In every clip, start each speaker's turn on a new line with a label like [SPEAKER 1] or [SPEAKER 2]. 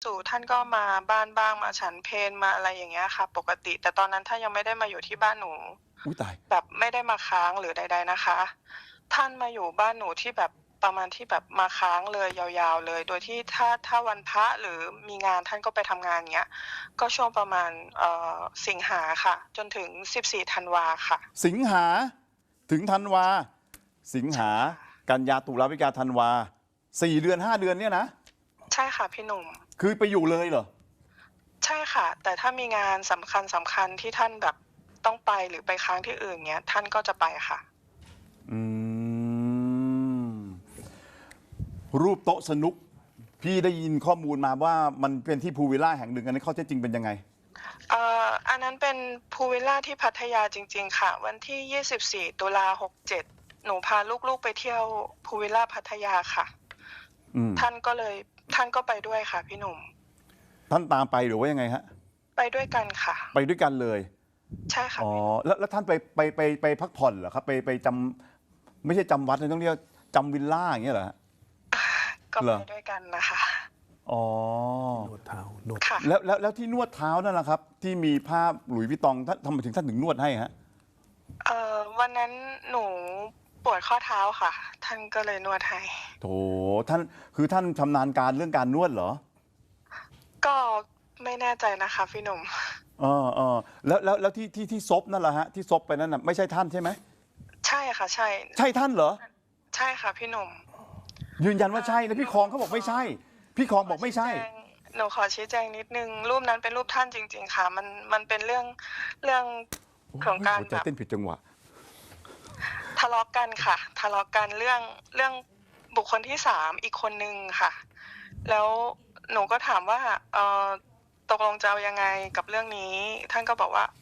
[SPEAKER 1] สู่ท่านก็มาบ้านบ้างมาฉันเพลมาอะไรอย่างเงี้ยค่ะปกติแต่ตอนนั้นท่านยังไม่ได้มาอยู่ที่บ้านหนู
[SPEAKER 2] อุ้ยตาย
[SPEAKER 1] แบบไม่ได้มาค้างหรือใดๆนะคะท่านมาอยู่บ้านหนูที่แบบประมาณที่แบบมาค้างเลยยาวๆเลยโดยที่ถ้าวันพระหรือมีงานท่านก็ไปทำงานเงี้ยก็ช่วงประมาณสิงหาค่ะจนถึง14ธันวาค่ะ
[SPEAKER 2] สิงหาถึงธันวาสิง
[SPEAKER 1] ใช่
[SPEAKER 2] หา
[SPEAKER 1] ค่ะ
[SPEAKER 2] กันยาตุลาพฤศจิกาธันวา4 เดือน5 เดือนเนี่ยนะ
[SPEAKER 1] ใช่ค่ะพี่หนุ่ม
[SPEAKER 2] คือไปอยู่เลยเหรอ
[SPEAKER 1] ใช่ค่ะแต่ถ้ามีงานสำคัญที่ท่านแบบต้องไปหรือไปค้างที่อื่นเงี้ยท่านก็จะไปค่ะ
[SPEAKER 2] อืมรูปโต๊ะสนุกพี่ได้ยินข้อมูลมาว่ามันเป็นที่พูลวิลล่าแห่งหนึ่งอันนี้ข้อเท็จจริงเป็นยังไง
[SPEAKER 1] อันนั้นเป็นพูลวิลล่าที่พัทยาจริงๆค่ะวันที่24ตุลา67หนูพาลูกๆไปเที่ยวพูลวิลล่าพัทยาค่ะ
[SPEAKER 2] อืม
[SPEAKER 1] ท่านก็ไปด้วยค่ะพี่หนุ่ม
[SPEAKER 2] ท่านตามไปหรือว่ายังไงฮะ
[SPEAKER 1] ไปด้วยกันค่ะ
[SPEAKER 2] ไปด้วยกันเลย
[SPEAKER 1] ใช่ค่ะ
[SPEAKER 2] อ๋อ
[SPEAKER 1] พี่หนุ่ม
[SPEAKER 2] แล้วท่านไปพักผ่อนเหรอครับไปจำไม่ใช่จำวัดเลยต้องเรียกจำวิลล่าอย่างเงี้ยเหรอฮะ
[SPEAKER 1] ก็
[SPEAKER 2] เหรอ
[SPEAKER 1] ไปด้วยกันนะคะ
[SPEAKER 2] อ๋อ
[SPEAKER 3] นวดเท้านวด
[SPEAKER 1] ค่ะ
[SPEAKER 2] แล้วที่นวดเท้านั่นแหละครับที่มีภาพหลุยส์วิตตองท่านทำไมถึงนวดให้ฮะ
[SPEAKER 1] วันนั้นหนูปวดข้อเท้าค่ะท่านก็เลยนวดให้
[SPEAKER 2] โถท่านคือท่านชำนาญการเรื่องการนวดเหรอ
[SPEAKER 1] ก็ไม่แน่ใจนะคะพี่หนุ่ม
[SPEAKER 2] เออแล้วที่ซบนั่นแหละฮะที่ซบไปนั่นน่ะไม่ใช่ท่านใช่ไหม
[SPEAKER 1] ใช่ค่ะใช่
[SPEAKER 2] ใช่ท่านเหรอ
[SPEAKER 1] ใช่ค่ะพี่หนุ่ม
[SPEAKER 2] ยืนยันว่าใช่แล้วพี่คองเขาบอกไม่ใช่พี่คองบอกไม่ใช่
[SPEAKER 1] หนูขอชี้แจงนิดนึงรูปนั้นเป็นรูปท่านจริงๆค่ะมันเป็นเรื่องของการ
[SPEAKER 2] หัวใจ
[SPEAKER 1] แบบ
[SPEAKER 2] เต้นผิดจังหวะ
[SPEAKER 1] ทะเลาะกันค่ะทะเลาะกันเรื่องบุคคลที่3อีกคนนึงค่ะแล้วหนูก็ถามว่าตกลงจะเอายังไงกับเรื่องนี้ท่านก็บอกว่า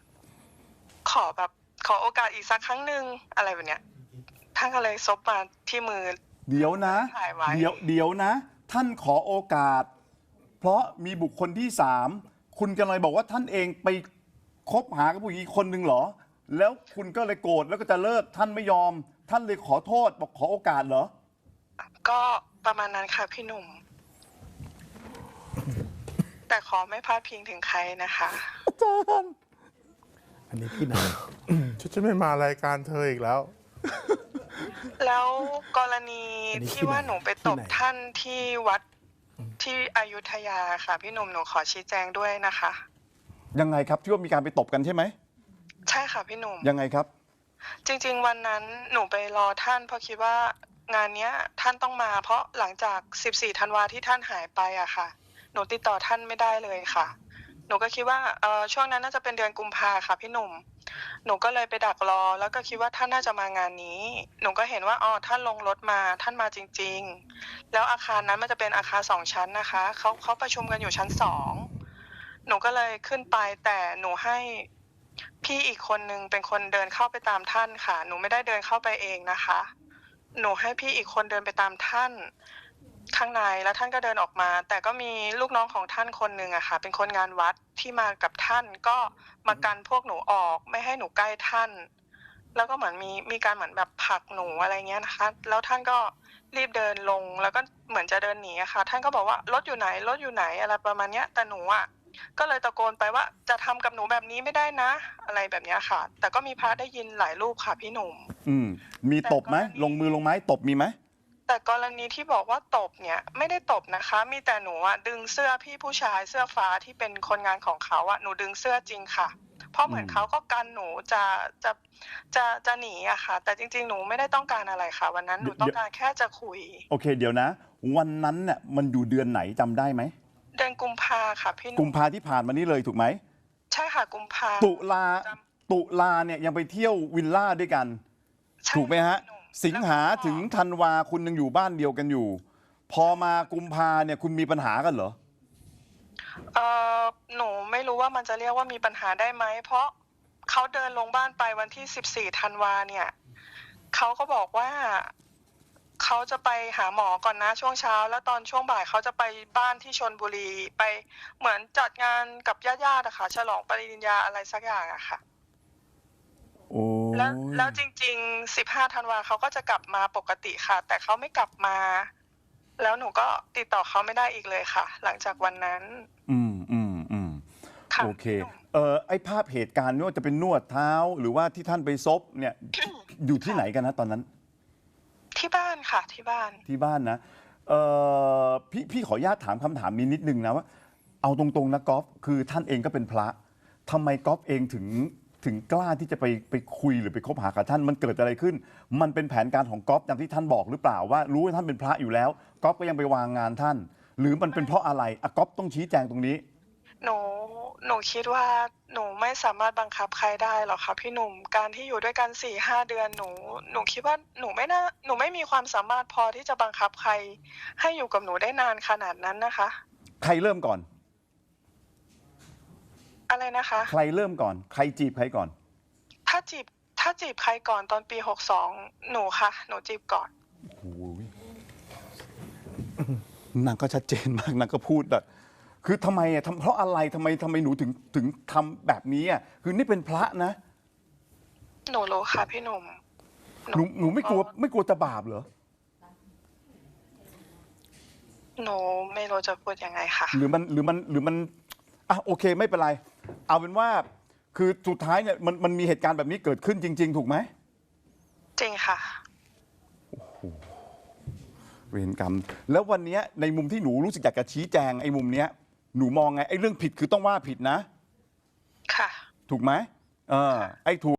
[SPEAKER 1] ขอโอกาสอีกสักครั้งหนึ่งอะไรแบบเนี้ยท่านก็เลยซบมาที่มือ
[SPEAKER 2] เดี๋ยวนะ
[SPEAKER 1] ถ่ายไว้
[SPEAKER 2] เดี๋ยวนะ ท่านขอโอกาส เพราะมีบุคคลที่3คุณกำลังบอกว่าท่านเองไปคบหากับผู้หญิงอีกคนนึงเหรอแล้วคุณก็เลยโกรธแล้วก็จะเลิกท่านไม่ยอม ท่านเลยขอโทษบอกขอโอกาสเหรอ
[SPEAKER 1] ก็ประมาณนั้นค่ะพี่หนุ่ม แต่ขอไม่พาดพิงถึงใครนะคะ
[SPEAKER 2] อาจารย์
[SPEAKER 3] อันนี้ที่ไหน
[SPEAKER 4] ฉันไม่มารายการเธออีกแล้ว
[SPEAKER 1] แล้วกรณี
[SPEAKER 3] อันนี้ที่
[SPEAKER 1] ที่ว่า
[SPEAKER 3] ไหน
[SPEAKER 1] หนูไป
[SPEAKER 3] ที่
[SPEAKER 1] ตบ
[SPEAKER 3] ไหน
[SPEAKER 1] ท่านที่วัดที่อยุธยาค่ะพี่หนุ่มหนูขอชี้แจงด้วยนะคะ
[SPEAKER 2] ยังไงครับที่ว่ามีการไปตบกันใช่ไหม
[SPEAKER 1] ใช่ค่ะพี่หนุ่ม
[SPEAKER 2] ยังไงครับ
[SPEAKER 1] จริงๆวันนั้นหนูไปรอท่านเพราะคิดว่างานเนี้ยท่านต้องมาเพราะหลังจาก14ธันวาที่ท่านหายไปอะค่ะหนูติดต่อท่านไม่ได้เลยค่ะหนูก็คิดว่าช่วงนั้นน่าจะเป็นเดือนกุมภาค่ะพี่หนุ่มหนูก็เลยไปดักรอแล้วก็คิดว่าท่านน่าจะมางานนี้หนูก็เห็นว่าท่านลงรถมาท่านมาจริงๆแล้วอาคารนั้นมันจะเป็นอาคาร2ชั้นนะคะเขาประชุมกันอยู่ชั้น2หนูก็เลยขึ้นไปแต่หนูให้พี่อีกคนนึงเป็นคนเดินเข้าไปตามท่านค่ะหนูไม่ได้เดินเข้าไปเองนะคะหนูให้พี่อีกคนเดินไปตามท่านข้างในแล้วท่านก็เดินออกมาแต่ก็มีลูกน้องของท่านคนหนึ่งอะค่ะเป็นคนงานวัดที่มากับท่านก็มากันพวกหนูออกไม่ให้หนูใกล้ท่านแล้วก็เหมือนมีการเหมือนแบบผลักหนูอะไรเงี้ยนะคะแล้วท่านก็รีบเดินลงแล้วก็เหมือนจะเดินหนีอะค่ะท่านก็บอกว่ารถอยู่ไหนรถอยู่ไหนอะไรประมาณเนี้ยแต่หนูอะก็เลยตะโกนไปว่าจะทำกับหนูแบบนี้ไม่ได้นะอะไรแบบเนี้ยค่ะแต่ก็มีพระได้ยินหลายรูปค่ะพี่หนุ่ม
[SPEAKER 2] อืมมีตบไหมลงมือลงไม้ตบมีไหม
[SPEAKER 1] แต่กรณีที่บอกว่าตบเนี่ยไม่ได้ตบนะคะมีแต่หนูอะดึงเสื้อพี่ผู้ชายเสื้อฟ้าที่เป็นคนงานของเขาอะหนูดึงเสื้อจริงค่ะเพราะเหมือนเขาก็กันหนูจะหนีอะค่ะแต่จริงๆหนูไม่ได้ต้องการอะไรค่ะวันนั้นหนูต้องการแค่จะคุย
[SPEAKER 2] โอเคเดี๋ยวนะ วันนั้นเนี่ยมันอยู่เดือนไหนจำได้ไหม
[SPEAKER 1] เดือนกุมภาค่ะพี่ห
[SPEAKER 2] กุ
[SPEAKER 1] นุ่
[SPEAKER 2] ม
[SPEAKER 1] ม
[SPEAKER 2] ภาที่ผ่านมานี้เลยถูกไหม
[SPEAKER 1] ใช่ค่ะกุมภา
[SPEAKER 2] ตุลาตุลาเนี่ยยังไปเที่ยววิลล่าด้วยกัน
[SPEAKER 1] ใช่
[SPEAKER 2] ถูกไหมฮะ
[SPEAKER 1] พี่นุ่ม
[SPEAKER 2] สิงหาถึงธันวาคุณยังอยู่บ้านเดียวกันอยู่ พอมากุมภาเนี่ยคุณมีปัญหากันเหรอ
[SPEAKER 1] หนูไม่รู้ว่ามันจะเรียกว่ามีปัญหาได้ไหมเพราะเขาเดินลงบ้านไปวันที่14ธันวาเนี่ยเขาก็บอกว่าเขาจะไปหาหมอก่อนนะช่วงเช้าแล้วตอนช่วงบ่ายเขาจะไปบ้านที่ชลบุรีไปเหมือนจัดงานกับญาติๆอะค่ะฉลองปริญญาอะไรสักอย่างอะค่ะ
[SPEAKER 2] โอ้
[SPEAKER 1] แล้วจริงๆ15ธันวาเขาก็จะกลับมาปกติค่ะแต่เขาไม่กลับมาแล้วหนูก็ติดต่อเขาไม่ได้อีกเลยค่ะ หลังจากวันนั้น
[SPEAKER 2] อืม
[SPEAKER 1] ค่ะ
[SPEAKER 2] โอเคไอ้ภาพเหตุการณ์ไม่ว่าจะเป็นนวดเท้าหรือว่าที่ท่านไปซบเนี่ย อยู่ที่ไหนกันนะตอนนั้น
[SPEAKER 1] ที่บ้านค่ะที่บ้าน
[SPEAKER 2] ที่บ้านนะพี่ขออนุญาตถามคำถามนี้นิดนึงนะว่าเอาตรงๆนะก๊อฟคือท่านเองก็เป็นพระทำไมก๊อฟเองถึงกล้าที่จะไปคุยหรือไปคบหากับท่านมันเกิดอะไรขึ้น มันเป็นแผนการของก๊อฟอย่างที่ท่านบอกหรือเปล่าว่ารู้ว่าท่านเป็นพระอยู่แล้วก๊อฟก็ยังไปวางงานท่าน หรือมันเป็นเพราะอะไรอะก๊อฟต้องชี้แจงตรงนี้
[SPEAKER 1] หนูคิดว่าหนูไม่สามารถบังคับใครได้หรอกค่ะพี่หนุ่มการที่อยู่ด้วยกัน4-5 เดือนหนูคิดว่าหนูไม่มีความสามารถพอที่จะบังคับใครให้อยู่กับหนูได้นานขนาดนั้นนะคะ
[SPEAKER 2] ใครเริ่มก่อน
[SPEAKER 1] อะไรนะคะ
[SPEAKER 2] ใครเริ่มก่อนใครจีบใครก่อน
[SPEAKER 1] ถ้าจีบใครก่อนตอนปี62หนูค่ะหนูจีบก่อน
[SPEAKER 2] โอ้ยนางก็ชัดเจนมากนางก็พูดแบบคือทำไมอะเพราะอะไรทำไมหนูถึงทำแบบนี้อ่ะคือนี่เป็นพระนะ
[SPEAKER 1] หนูรู้ค่ะพี่หนุ่ม
[SPEAKER 2] หนูไม่กลัวจะบาปเหรอ
[SPEAKER 1] หนูไม่รู้จะพูดยังไงค่ะ
[SPEAKER 2] หรือมันอ่ะโอเคไม่เป็นไร เอาเป็นว่าคือสุดท้ายเนี่ยมันมีเหตุการณ์แบบนี้เกิดขึ้นจริง ๆ ถูกไหม
[SPEAKER 1] จริงค่ะ
[SPEAKER 2] เวรกรรมแล้ววันเนี้ยในมุมที่หนูรู้สึกอยากจะชี้แจงไอ้มุมเนี้ยหนูมองไงไอ้เรื่องผิดคือต้องว่าผิดนะ
[SPEAKER 1] ค่ะ
[SPEAKER 2] ถูกไหมไอ้ถูก